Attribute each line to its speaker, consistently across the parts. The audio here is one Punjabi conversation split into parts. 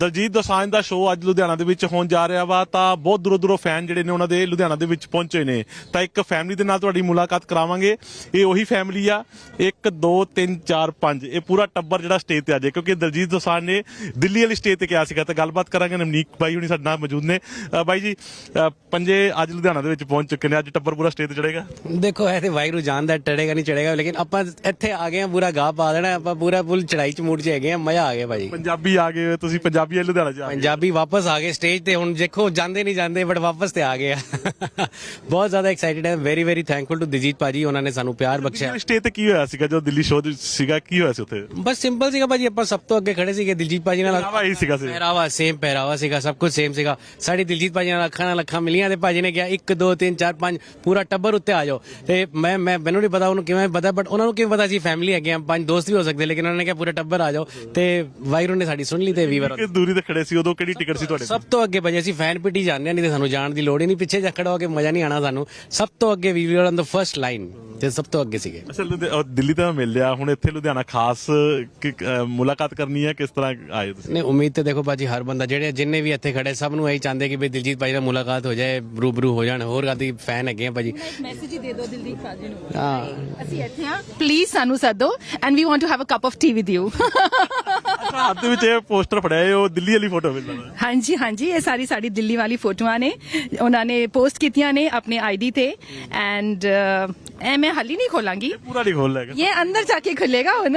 Speaker 1: ਦਲਜੀਤ ਦੋਸਾਂਝ ਦਾ ਸ਼ੋਅ ਅੱਜ ਲੁਧਿਆਣਾ ਦੇ ਵਿੱਚ ਹੋਣ ਜਾ ਰਿਹਾ ਵਾ ਤਾਂ ਬਹੁਤ ਦੂਰੋਂ ਫੈਨ ਜਿਹੜੇ ਨੇ ਉਹਨਾਂ ਦੇ ਲੁਧਿਆਣਾ ਦੇ ਵਿੱਚ ਪਹੁੰਚੇ ਨੇ ਤਾਂ ਇੱਕ ਫੈਮਿਲੀ ਦੇ ਨਾਲ ਤੁਹਾਡੀ ਮੁਲਾਕਾਤ ਕਰਾਵਾਂਗੇ। ਇਹ ਉਹੀ ਫੈਮਿਲੀ ਆ 1 2 3 4 5 ਇਹ ਪੂਰਾ ਟੱਬਰ ਜਿਹੜਾ ਸਟੇਜ ਤੇ ਆ ਜਾਏ ਕਿਉਂਕਿ ਦਲਜੀਤ ਦੋਸਾਂਝ ਨੇ ਦਿੱਲੀ ਵਾਲੀ ਸਟੇਜ ਤੇ ਕਿਹਾ ਸੀਗਾ ਤਾਂ ਗੱਲਬਾਤ ਕਰਾਂਗੇ। ਨਵਨੀਕ ਬਾਈ ਹੁਣੀ ਸਾਡੇ ਨਾਲ ਮੌਜੂਦ ਨੇ। ਬਾਈ ਜੀ ਪੰਜੇ ਅੱਜ ਲੁਧਿਆਣਾ ਦੇ ਵਿੱਚ ਪਹੁੰਚ ਚੁੱਕੇ ਨੇ, ਅੱਜ ਟੱਬਰ ਪੂਰਾ ਸਟੇਜ ਤੇ ਚੜੇਗਾ।
Speaker 2: ਦੇਖੋ ਇਹ ਤੇ ਵਾਹਿਗੁਰੂ ਜਾਣਦਾ ਚੜੇਗਾ ਨਹੀਂ ਚੜੇਗਾ, ਲੇਕਿਨ ਆਪਾਂ ਇੱਥੇ ਆ ਗਏ ਆ, ਪੂਰਾ ਗਾਹ ਪਾ ਦੇਣਾ ਆਪਾਂ, ਪੂਰਾ ਫੁੱਲ ਚੜਾਈ ਚ ਮੂਡ ਚ ਹੈਗੇ ਆ, ਮਜ਼ਾ ਆ ਗਿਆ ਭਾਜੀ।
Speaker 1: ਪੰਜਾਬੀ ਆ ਗਏ ਤੁਸੀਂ, ਪੰਜਾਬੀ ਆ ਲੁਧਿਆਣਾ ਚ ਆ ਗਏ।
Speaker 2: ਪੰਜਾਬੀ ਵਾਪਸ ਆ ਗਏ ਸਟੇਜ ਤੇ, ਹੁਣ ਦੇਖੋ ਜਾਂਦੇ ਨਹੀਂ ਜਾਂਦੇ ਬਟ ਵਾਪਸ ਤੇ ਆ ਗਏ ਆ। ਬਹੁਤ ਜ਼ਿਆਦਾ ਐਕਸਾਈਟਿਡ ਹੈ, very very thankful to Diljit paaji, ਉਹਨਾਂ ਨੇ ਸਾਨੂੰ ਪਿਆਰ ਬਖਸ਼ਿਆ।
Speaker 1: ਸਟੇਜ ਤੇ ਕੀ ਹੋਇਆ ਸੀਗਾ ਜਦੋਂ ਦਿੱਲੀ ਸ਼ੋਅ ਸੀਗਾ, ਕੀ ਹੋਇਆ ਸੀ ਉੱਥੇ?
Speaker 2: ਬਸ ਸਿੰਪਲ ਸੀਗਾ ਭਾਜੀ, ਆਪਾਂ ਸਭ ਤੋਂ ਅੱਗੇ ਖੜੇ ਸੀਗੇ ਦਿਲਜੀਤ ਭਾਜੀ ਨਾਲ।
Speaker 1: ਇਹੀ ਸੀਗਾ
Speaker 2: ਪਹਿਰਾਵਾ ਸੇਮ ਪਹਿਰਾਵਾ ਸੀਗਾ, ਸਭ ਕੁਝ ਸੇਮ ਸੀਗਾ। ਸਾਡੀ ਦਿਲਜੀਤ ਭਾਜੀ ਨਾਲ ਅੱਖਾਂ ਮਿਲੀਆਂ ਤੇ ਭਾਜੀ ਨੇ ਕਿਹਾ 1 2 3 4 5 ਪੂਰਾ ਟੱਬਰ ਉੱਤੇ ਆ ਜਾਓ। ਤੇ ਮੈਨੂੰ ਨਹੀਂ ਪਤਾ ਉਹਨੂੰ ਕਿਵੇਂ ਪਤਾ, ਬਟ ਉਹਨਾਂ ਨੂੰ ਕਿਵੇਂ ਪਤਾ ਸੀ ਫੈਮਿਲੀ ਹੈਗੇ ਆ, 5 ਦੋਸਤ ਵੀ ਹੋ ਸਕਦੇ, ਲੇਕਿਨ ਉਹਨਾਂ ਨੇ ਕਿਹਾ ਪੂਰਾ ਟੱਬਰ ਆ ਜਾਓ ਤੇ ਵਾਹਿਗੁਰੂ ਨੇ ਸਾਡੀ ਸੁਣ ਲਈ। ਤੇ ਵੀਵਰ
Speaker 1: ਕਿ ਦੂਰੀ ਤੇ ਖੜੇ ਸੀ ਉਦੋਂ ਕਿਹੜੀ ਟਿਕਟ ਸੀ ਤੁਹਾਡੇ?
Speaker 2: ਸਭ ਤੋਂ ਅੱਗੇ ਭਾਜੀ, ਅਸੀਂ ਫੈਨ ਪਿੱਟੀ ਜਾਂਦੇ ਨਹੀਂ ਤੇ ਸਾਨੂੰ ਜਾਣ ਦੀ ਲੋੜ ਹੀ ਨਹੀਂ, ਪਿੱਛੇ ਜਾ ਖੜਾ ਹੋ ਕੇ ਮਜ਼ਾ ਨਹੀਂ ਆਣਾ ਸਾਨੂੰ। ਸਭ ਤੋਂ ਅੱਗੇ we were on the first line ਤੇ ਸਭ ਤੋਂ ਅੱਗੇ ਸੀਗੇ।
Speaker 1: ਅੱਛਾ ਦਿੱਲੀ ਤਾਂ ਮਿਲ ਲਿਆ, ਹੁਣ ਇੱਥੇ ਲੁਧਿਆਣਾ ਖਾਸ ਮੁਲਾਕਾਤ ਕਰਨੀ ਹੈ, ਕਿਸ ਤਰ੍ਹਾਂ ਆਏ ਤੁਸੀਂ?
Speaker 2: ਨਹੀਂ ਉਮੀਦ ਤੇ ਦੇਖੋ ਭਾਜੀ ਹਰ ਬੰਦਾ ਜਿੰਨੇ ਵੀ ਇੱਥੇ ਖੜੇ ਸਭ ਨੂੰ ਇਹੀ ਚਾਹੁੰਦੇ ਕਿ ਬਈ ਦਿਲਜੀਤ ਭਾਜੀ ਨਾਲ ਮੁਲਾਕਾਤ ਹੋ ਜਾਏ, ਰੂਬਰੂ ਹੋ ਜਾਣ। ਹੋਰ ਕਾਦੀ ਫੈਨ ਹੈਗੇ ਆ ਭਾਜੀ।
Speaker 3: ਮੈਸੇਜ ਹੀ ਦੇ ਦਿਓ ਦਿਲਜੀਤ ਭਾਜੀ ਨੂੰ,
Speaker 2: ਹਾਂ
Speaker 3: ਅਸੀਂ ਇੱਥੇ ਆ, ਪਲੀਜ਼ ਸਾਨੂੰ ਸੱਦੋ and we want to have a cup of tea with you.
Speaker 1: ਅੱਛਾ ਹੱਥ ਦੇ ਵਿੱਚ ਇਹ ਪੋਸਟਰ ਫੜਿਆ ਹੈ, ਉਹ ਦਿੱਲੀ ਵਾਲੀ ਫੋਟੋ ਮਿਲਦਾ।
Speaker 3: ਹਾਂਜੀ ਹਾਂਜੀ, ਇਹ ਸਾਡੀ ਦਿੱਲੀ ਵਾਲੀ ਫੋਟੋਆਂ ਨੇ, ਉਹਨਾਂ ਨੇ ਪੋਸਟ ਕੀਤੀਆਂ ਨੇ ਆਪਣੇ ਆਈਡੀ ਤੇ ਐਂਡ ਇਹ ਮੈਂ ਹਾਲੀ ਨਹੀਂ ਖੋਲਾਂਗੀ,
Speaker 1: ਪੂਰਾ ਨਹੀਂ ਖੋਲ ਲੈਗਾ,
Speaker 3: ਇਹ ਅੰਦਰ ਜਾਕੇ ਖੁੱਲੇਗਾ ਹੁਣ।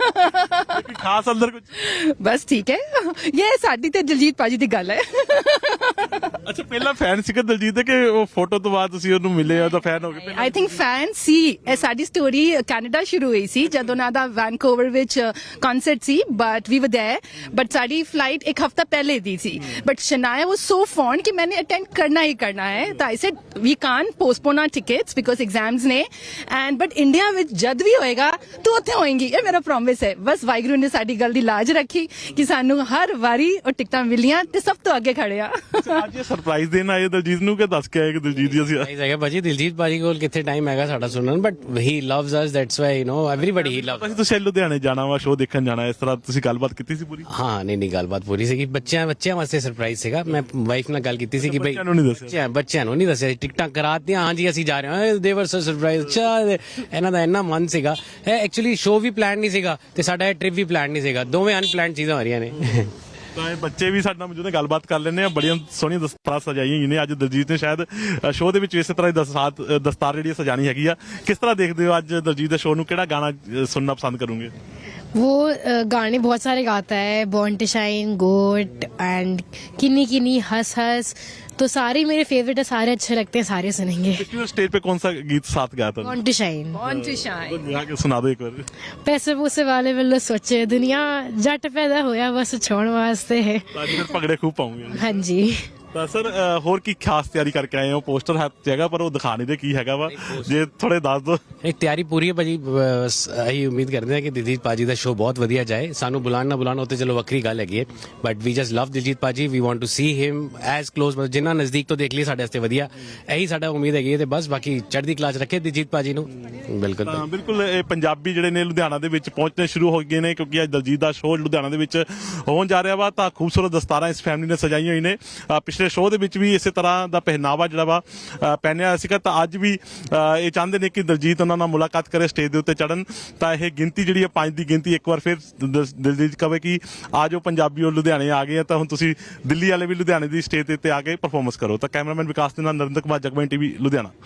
Speaker 1: ਖਾਸ ਅੰਦਰ ਕੁਝ?
Speaker 3: ਬਸ ਠੀਕ ਹੈ, ਇਹ ਸਾਡੀ ਤੇ ਦਿਲਜੀਤ ਭਾਜੀ ਦੀ ਗੱਲ ਹੈ।
Speaker 1: ਅੱਛਾ ਪਹਿਲਾਂ ਫੈਨ ਸੀਗਾ ਦਿਲਜੀਤ ਦੇ ਕਿ ਉਹ ਫੋਟੋ ਤੋਂ ਬਾਅਦ ਤੁਸੀਂ ਉਹਨੂੰ ਮਿਲੇ ਤਾਂ ਫੈਨ ਹੋ ਗਏ?
Speaker 3: ਆਈ ਥਿੰਕ ਫੈਨ ਸੀ। ਇਹ ਸਾਡੀ ਸਟੋਰੀ ਕੈਨੇਡਾ ਸ਼ੁਰੂ ਹੋਈ ਸੀ ਜਦੋਂ ਉਹਨਾਂ ਦਾ ਵੈਨਕੂਵਰ ਵਿੱਚ ਕਨਸਰਟ ਸੀ, but we were there, but ਸਾਡੀ ਫਲਾਈਟ ਇੱਕ ਹਫਤਾ ਪਹਿਲੇ ਦੀ ਸੀ। ਬਟ ਸ਼ਨਾਇਆ ਵਾਸ ਸੋ ਫੌਂਡ ਕਿ मैंने अटेंड करना ही करना है, तो I said we can't postpone our tickets because exams ने एंड बट इंडिया ਵਿੱਚ ਜਦ ਵੀ ਹੋਏਗਾ ਤੂੰ ਉੱਥੇ ਹੋਏਗੀ, ਇਹ ਮੇਰਾ ਪ੍ਰੋਮਿਸ ਹੈ। ਬਸ ਵਾਹਿਗੁਰੂ ਨੇ ਸਾਡੀ ਗੱਲ ਦੀ ਲਾਜ ਰੱਖੀ ਕਿ ਸਾਨੂੰ ਹਰ ਵਾਰੀ ਉਹ ਟਿਕਟਾਂ ਮਿਲੀਆਂ ਤੇ ਸਭ ਤੋਂ ਅੱਗੇ ਖੜੇ ਆ।
Speaker 1: ਅੱਜ ਇਹ ਸਰਪ੍ਰਾਈਜ਼ ਦੇਣ ਆਏ ਦਿਲਜੀਤ ਨੂੰ ਕਿ ਦੱਸ ਕੇ ਆਏ ਕਿ ਦਿਲਜੀਤ ਜੀ ਅਸੀਂ
Speaker 2: ਹੈਗਾ ਭਾਜੀ। ਦਿਲਜੀਤ ਭਾਜੀ ਕੋਲ ਕਿੱਥੇ ਟਾਈਮ ਹੈਗਾ ਸਾਡਾ ਸੁਣਨ, but he loves us, that's why you know everybody he loves.
Speaker 1: ਤੁਸੀਂ ਲੁਧਿਆਣੇ ਜਾਣਾ ਵਾ, ਸ਼ੋਅ ਦੇਖਣ ਜਾਣਾ, ਇਸ ਤਰ੍ਹਾਂ ਤੁਸੀਂ ਗੱਲਬਾਤ ਕੀਤੀ ਸੀ ਪੂਰੀ?
Speaker 2: ਹਾਂ ਨਹੀਂ ਗੱਲਬਾਤ ਪੂਰੀ ਸੀਗੀ। ਬੱਚਿਆਂ ਵਾਸਤੇ ਸਰਪ੍ਰਾਈਜ਼ ਸੀਗਾ। ਮੈਂ ਵਾਈਫ ਨਾਲ ਗੱਲ ਕੀਤੀ ਸੀ ਕਿ ਬਈ ਬੱਚਿਆਂ ਨੂੰ ਨਹੀਂ ਦੱਸਿਆ, ਟਿਕਟਾਂ ਕਰਾਤੀਆਂ, ਹਾਂਜੀ ਅਸੀਂ ਜਾ ਰਹੇ ਹਾਂ, ਦੇ ਵਰ ਸਰਪ੍ਰਾਈਜ਼। ਅੱਛਾ ਇਹਨਾਂ ਦਾ ਇੰਨਾ ਮਨ ਸੀਗਾ। ਇਹ ਐਕਚੁਅਲੀ ਸ਼ੋਅ ਵੀ ਪਲਾਨ ਨਹੀਂ ਸੀਗਾ ਤੇ ਸਾਡਾ ਇਹ ਟ੍ਰਿਪ ਵੀ ਪਲਾਨ ਨਹੀਂ ਸੀਗਾ, ਦੋਵੇਂ ਅਨਪਲਾਨਡ ਚੀਜ਼ਾਂ ਹੋ ਰਹੀਆਂ ਨੇ।
Speaker 1: ਤਾਂ ਇਹ ਬੱਚੇ ਵੀ ਸਾਡੇ ਨਾਲ ਮੌਜੂਦ ਨੇ, ਗੱਲਬਾਤ ਕਰ ਲੈਂਦੇ ਆ। ਬੜੀਆਂ ਸੋਹਣੀਆਂ ਦਸਤਾਰਾਂ ਸਜਾਈਆਂ ਹੋਈਆਂ ਨੇ। ਅੱਜ ਦਿਲਜੀਤ ਨੇ ਸ਼ਾਇਦ ਸ਼ੋਅ ਦੇ ਵਿੱਚ ਇਸੇ ਤਰ੍ਹਾਂ ਦੀ ਦਸਤਾਰ ਜਿਹੜੀ ਸਜਾਣੀ ਹੈਗੀ ਆ। ਕਿਸ ਤਰ੍ਹਾਂ ਦੇਖਦੇ ਹੋ ਅੱਜ ਦਿਲਜੀਤ ਦੇ ਸ਼ੋਅ ਨੂੰ? ਕਿਹੜਾ ਗਾਣਾ ਸੁਣਨਾ ਪਸੰਦ ਕਰੋਗੇ?
Speaker 4: वो गाने बहुत सारे गाता है, born to shine, GOAT and Kinni Kinni, Hass Hass, तो सारे मेरे फेवरेट है, सारे अच्छे लगते हैं, सारे सुनेंगे।
Speaker 1: स्टेज पे कौन सा गीत साथ गाया था?
Speaker 4: Born to shine.
Speaker 3: Born to shine।
Speaker 1: गा के सुना दो एक बार।
Speaker 4: पैसे पूसे वाले वालों सोचे दुनिया जट पैदा होया बस छोड़ वास्ते है।
Speaker 1: आज फिर पगड़े खूब पाऊंगे।
Speaker 4: हाँ जी।
Speaker 1: ਤਾਂ ਸਰ ਹੋਰ ਕੀ ਖਾਸ ਤਿਆਰੀ ਕਰਕੇ ਆਏ ਹੋ? ਪੋਸਟਰ ਹੱਥ ਹੈਗਾ ਪਰ ਉਹ ਦਿਖਾ ਨਹੀਂ ਦੇ ਕੀ ਹੈਗਾ ਵਾ, ਜੇ ਥੋੜੇ ਦੱਸ ਦੋ।
Speaker 2: ਇੱਕ ਤਿਆਰੀ ਪੂਰੀ ਹੈ ਭਾਜੀ। ਅਸੀਂ ਉਮੀਦ ਕਰਦੇ ਹਾਂ ਕਿ ਦਿਲਜੀਤ ਭਾਜੀ ਦਾ ਸ਼ੋਅ ਬਹੁਤ ਵਧੀਆ ਜਾਏ। ਸਾਨੂੰ ਬੁਲਾਣ ਨਾ ਬੁਲਾਣ ਉਹ ਤੇ ਚਲੋ ਵੱਖਰੀ ਗੱਲ ਹੈਗੀ ਹੈ, but we just love Diljit paaji. We want to see him as close, ਜਿੰਨਾ ਨਜ਼ਦੀਕ ਤੋਂ ਦੇਖ ਲਈ ਸਾਡੇ ਵਾਸਤੇ ਵਧੀਆ। ਇਹੀ ਸਾਡਾ ਉਮੀਦ ਹੈਗੀ ਹੈ ਤੇ ਬਸ ਬਾਕੀ ਚੜ੍ਹਦੀ ਕਲਾ 'ਚ ਰੱਖੇ ਦਿਲਜੀਤ ਭਾਜੀ ਨੂੰ। ਬਿਲਕੁਲ
Speaker 1: ਬਿਲਕੁਲ। ਇਹ ਪੰਜਾਬੀ ਜਿਹੜੇ ਨੇ ਲੁਧਿਆਣਾ ਦੇ ਵਿੱਚ ਪਹੁੰਚਣੇ ਸ਼ੁਰੂ ਹੋ ਗਏ ਨੇ ਕਿਉਂਕਿ ਅੱਜ ਦਿਲਜੀਤ ਦਾ ਸ਼ੋਅ ਲੁਧਿਆਣਾ ਦੇ ਵਿੱਚ ਹੋਣ ਜਾ ਰਿਹਾ ਵਾ। ਤਾਂ ਖੂਬਸੂਰਤ ਦਸਤਾਰਾਂ ਇਸ ਫੈਮਿਲੀ ਨੇ ਸਜਾਈਆਂ ਹੋਈ ਨੇ। ਪਿਛਲੇ ਸ਼ੋਅ ਦੇ ਵਿੱਚ ਵੀ ਇਸੇ ਤਰ੍ਹਾਂ ਦਾ ਪਹਿਨਾਵਾ ਜਿਹੜਾ ਵਾ ਪਹਿਨਿਆ ਸੀਗਾ, ਤਾਂ ਅੱਜ ਵੀ ਇਹ ਚਾਹੁੰਦੇ ਨੇ ਕਿ ਦਿਲਜੀਤ ਉਹਨਾਂ ਨਾਲ ਮੁਲਾਕਾਤ ਕਰੇ, ਸਟੇਜ ਦੇ ਉੱਤੇ ਚੜਨ। ਤਾਂ ਇਹ ਗਿਣਤੀ ਜਿਹੜੀ ਹੈ 5 ਦੀ ਗਿਣਤੀ, ਇੱਕ ਵਾਰ ਫਿਰ ਦਿਲਜੀਤ ਕਹੇ ਕਿ ਆ ਜਾਓ ਪੰਜਾਬੀ ਉਹ ਲੁਧਿਆਣੇ ਆ ਗਏ ਆ, ਤਾਂ ਹੁਣ ਤੁਸੀਂ ਦਿੱਲੀ ਵਾਲੇ ਵੀ ਲੁਧਿਆਣੇ ਦੀ ਸਟੇਜ ਤੇ ਆ ਕੇ ਪਰਫਾਰਮੈਂਸ ਕਰੋ। ਤਾਂ ਕੈਮਰਾਮੈਨ ਵਿਕਾਸ ਦੇ ਨਾਲ ਨਰਿੰਦਰ ਕੁਮਾਰ, ਜਗਬਾਣੀ ਟੀਵੀ ਲੁਧਿਆਣਾ।